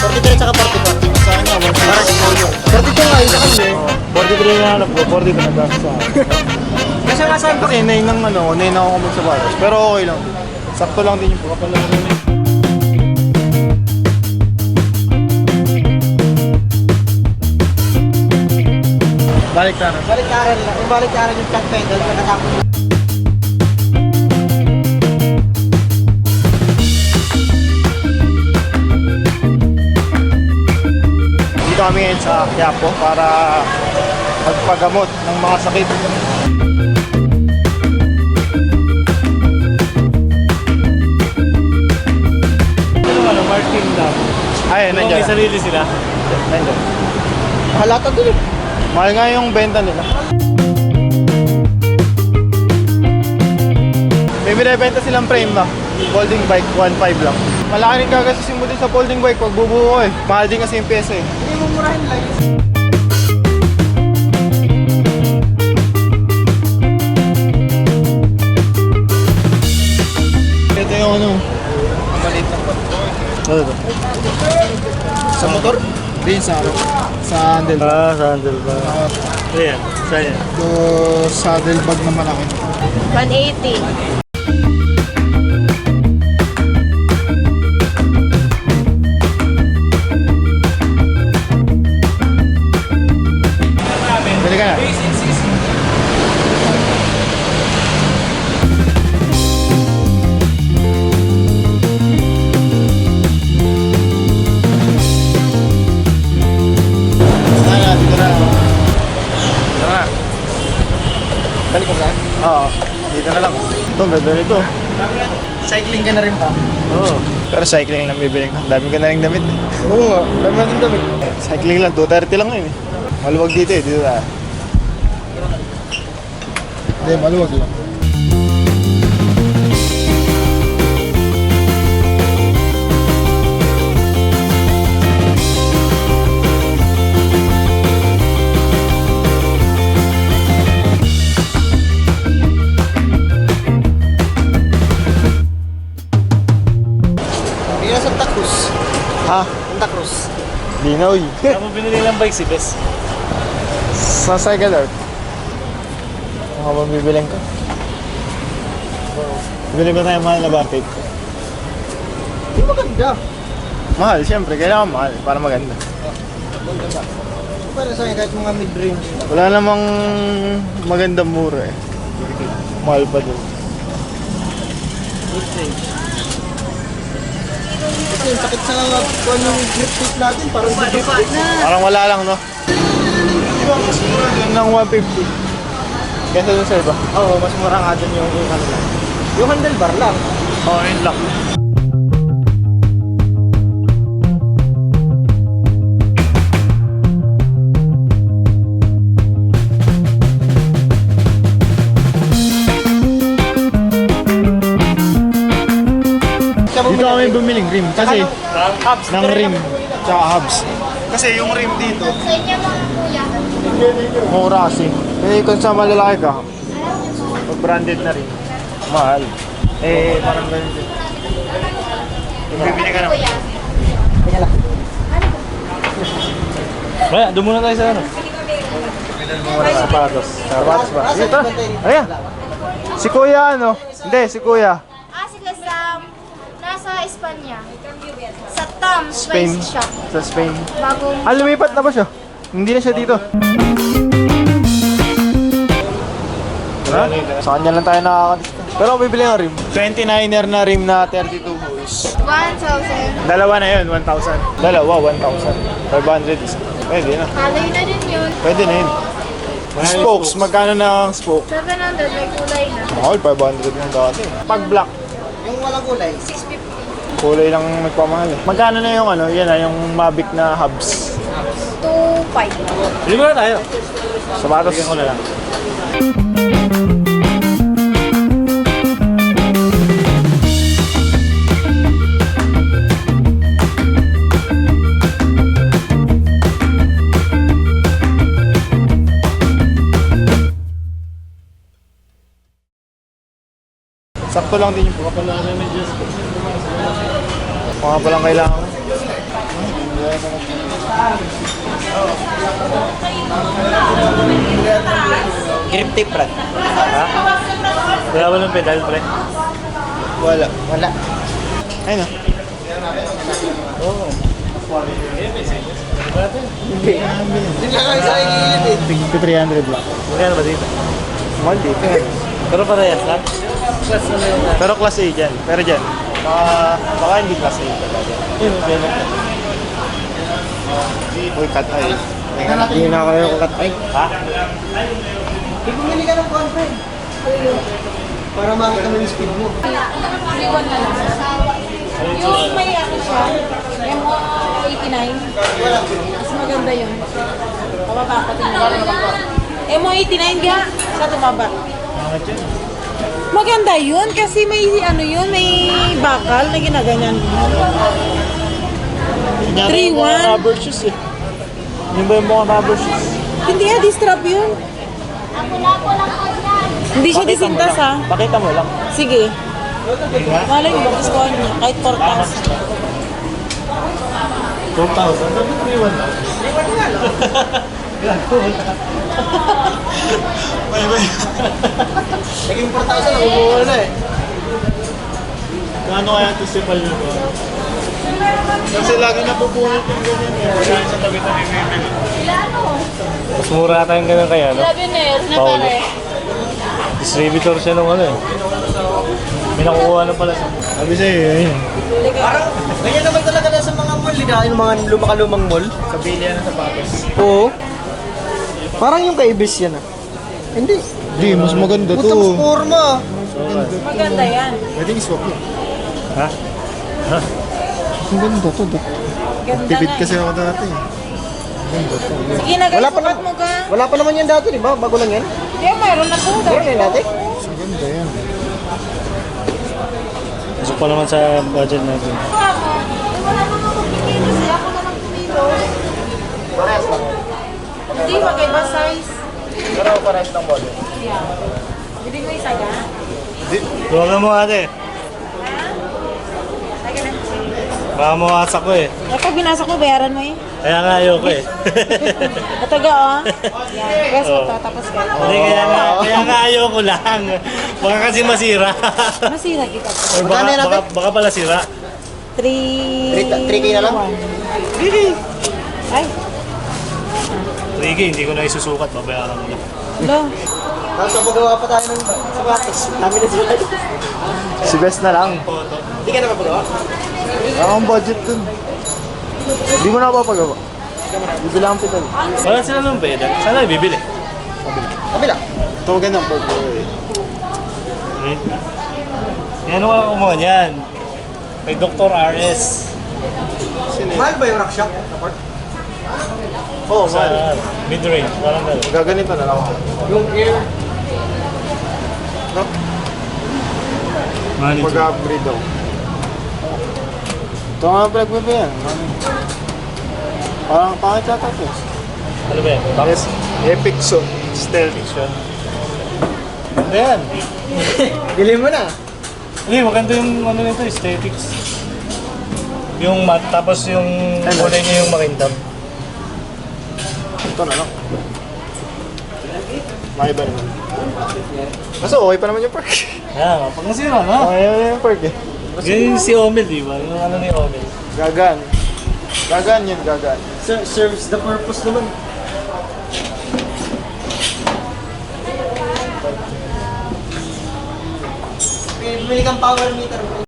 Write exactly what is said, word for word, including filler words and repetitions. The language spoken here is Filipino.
forty-three tsaka forty-four. Sa kanya, one sixty. forty-two nga, isa kanya eh. forty-three na hanap ko, forty-two na dahil sa akin. Kasi nga saan kasi, nine ng ano, nine ako kumag sa batas. Pero okay lang. Sakto lang din yung pagkapala rin. Balik tayo. Balik karan lang. Yung balik karan yung cut pedal, nakatapos. Dito kami ngayon sa Quiapo para magpagamot ng mga sakit. Ano ano, Martin Lab? Ay, nandiyan. May sarili sila? Nandiyan. Halata din eh. Mahal nga yung benta nila. May binibenta silang frame na. Folding bike, one five lang. Malaki rin kagasisin mo din sa folding bike pag bubuo eh. Mahal din kasi yung pyesa eh. Hindi mo murahin lang. Ito yung ano, ang maliit ng bike. Ano ito? Sa motor? Din sa ano? Sa handlebar. Ah, sandal ba? Ayan, saan yan? Ito saddle bag na malaki. one eighty. Bili ka na. Sana, dito na. Tara. Balik ko saan? Oo, dito na lang. Ito, ganda nito. Cycling ka na rin pa. Oo. Pero cycling lang bibili ko. Dami ko na rin damit eh. Oo nga, dami natin damit. Cycling lang, two thirty lang yun eh. Maluwag dito eh, dito tayo. Hindi, maluwag lang. Hindi na Santa Cruz. Ha? Santa Cruz. Dinoy. Saan mo binili ng bike si Bes? Sa Cycle Art. Mga bang bibiling ka? Bibili ba tayo mahal na bike? Hindi maganda. Mahal, siyempre. Kailangan mahal para maganda. Maganda ba? Para sa akin kahit mga mid-range. Wala namang magandang mura eh. Mahal pa din. Mid-range. Kasi yung sakit sa kung yung grip tip natin, parang grip tip na. Parang wala lang, no? Di ba mas mura din ng one fifty? Kesa dun sa iba? Oo, mas mura nga dun yung yung ano lang. Yung handlebar lang. Oo, oh, yun lang. Dito kami bumiling rim kasi Hubs. ng rim tsaka hubs. Kasi yung rim dito, Sa inyo mga kuya. mura kasi. Kasi kung sa malalaki ka, pag branded na rin, mahal. Eh, parang ganun din. Yung bibili ka naman. Kaya lang. Kaya, doon muna tayo sa ano? Sapatos. Sapatos ba? Ah, Dito. sa bantay dito. Ayan. Si Kuya ano? Hindi, si Kuya. Ah, sila sa... Nasa Espanya. Sa Tom Spain. Spice Shop. Sa Spain. Bagong... Ah, lumipat na ba siya? Hindi na siya dito. Ha? Sa kanya lang tayo nakakadiscount. Pero ako bibili ng rim. twenty-niner na rim na thirty-two holes. one thousand. Dalawa na yun, one thousand. Dalawa, one thousand. five hundred isa. Pwede na. Haloy na din yun. Pwede na yun. Spokes, magkano na ang spoke? seven hundred, may kulay na. Mahal, five hundred yung dati. Pag black, Yung walang kulay. six fifty. kulay lang nagpamahal eh. Magkano na yung ano, yan na, yung Mavic na hubs. two five. Bili muna tayo. Sapatos. Bigyan ko na lang. Sakto lang din yung mga palang kailangan. Grip tape, Brad. Ha? Wala ba ng pedal, pre? Wala. Wala. Ayun o. Oo. Hindi lang kayo sa ikilid eh. Tig three hundred lang. Magkano ba dito? Mahal dito. Pero parehas lang. Plus na lang na. Pero class A dyan. Pero dyan. Baka, baka hindi class A talaga. Yun, ganun. Uy, cut eye. Hindi na kayo cut eye. Ha? Eh, bumili ka ng content. Para makita mo yung speed mo. Iwan na lang. Yung may ano siya, M O eighty-nine. Mas maganda yun. Pababa pa tingnan. M O eighty-nine ga, sa tumaba. Bakit yun? Maganda yun kasi may ano yun, may bakal na ginaganyan. three Mga one. rubber shoes eh. Yun ba yung mga rubber shoes? Hindi ah, distrap yun. Lapo-lapo lang po yan. Hindi siya Pakita mo disintas lang. ha. Pakita mo lang. Sige. Malay mo, gusto niya. Kahit four thousand. four thousand? Sabi three one lang. Naging four thousand, nakukuha na eh. Gaano kaya ito si Palyo ko? Kasi lagi napupunit yung ganyan eh. Wala sa tabi-tabi bibili. Mas mura tayong ganun kaya, no? Sabi na yun, na Paolo. pare. Distributor siya nung ano eh. May nakukuha na pala siya. Sabi sa'yo, yun. Parang, ganyan naman talaga na sa mga mall. Liga, yung mga lumakalumang mall. Sa bilya ng sapatos. Oo. Parang yung kay Ibis yan ah. Hindi. Hindi, mas maganda Puta mas forma. Maganda yan. Pwedeng swap yun. Ha? Ha? Ang ganda to. Dok. Ganda Tipid nga. kasi ako dati. Sige na guys, Wala pa sukat naman. mo ga. Wala pa naman yan dati, di ba? Bago lang yan. Hindi, mayroon na po. Meron yan dati. Ang ganda yan. Pasok pa naman sa budget natin. Wala naman kumikilos eh. Ako naman kumilos. Hindi, magkaiba size. Pero parehas ng model. Yeah. Bili mo isa ga? Tuwagan mo ate. Lagi na. Baka mawasak ko eh. Eh, pag binasok mo, bayaran mo eh. Kaya nga ayoko eh. Ito ga oh. Yan. Guys, Oh. ito. Tapos ga. Hindi, kaya nga, kaya nga ayoko lang. Baka kasi masira. Masira kita. Or baka, Magkano yan, ate? baka, baka pala sira. three... three K na lang? Ay, three K, hindi ko na isusukat. Babayaran mo na. lo. Tapos papagawa pa tayo ng sapatos. Dami na sila. Si Best na lang. Hindi ka na papagawa? Wala akong budget dun. Hindi ko na papagawa. Bibili akong pedal. Wala sila ng pedal. Sana ibibili. Kabila. Tawagan ng purple. Hmm? Yan ang mga kumuha niyan. Kay Doctor R S. Mahal ba yung rock shop? Support? Oo, Sa mid-range. Parang gano'n. Gaganito na lang ako. Yung air. Manage. Mag-upgrade ako. Ito nga pinagbibi yan. Parang pangit yata ito. Ano ba yan? Box? Yes, Epic Zone Stealth. Fiction. Ano yan? Bili mo na. Hindi, maganda yung ano nito, aesthetics. Yung matte, tapos yung kulay niya yung makintab. Ito na lang. Maiba naman. Kaso okay pa naman yung perk. Kaya nga, pag nasira na. Okay naman yung perk eh. Ganyan yung si Omel, di ba? Yung ano ni Omel. Gagan. Gagan yun, gagan. Ser- serves the purpose naman. Bumili kang power meter.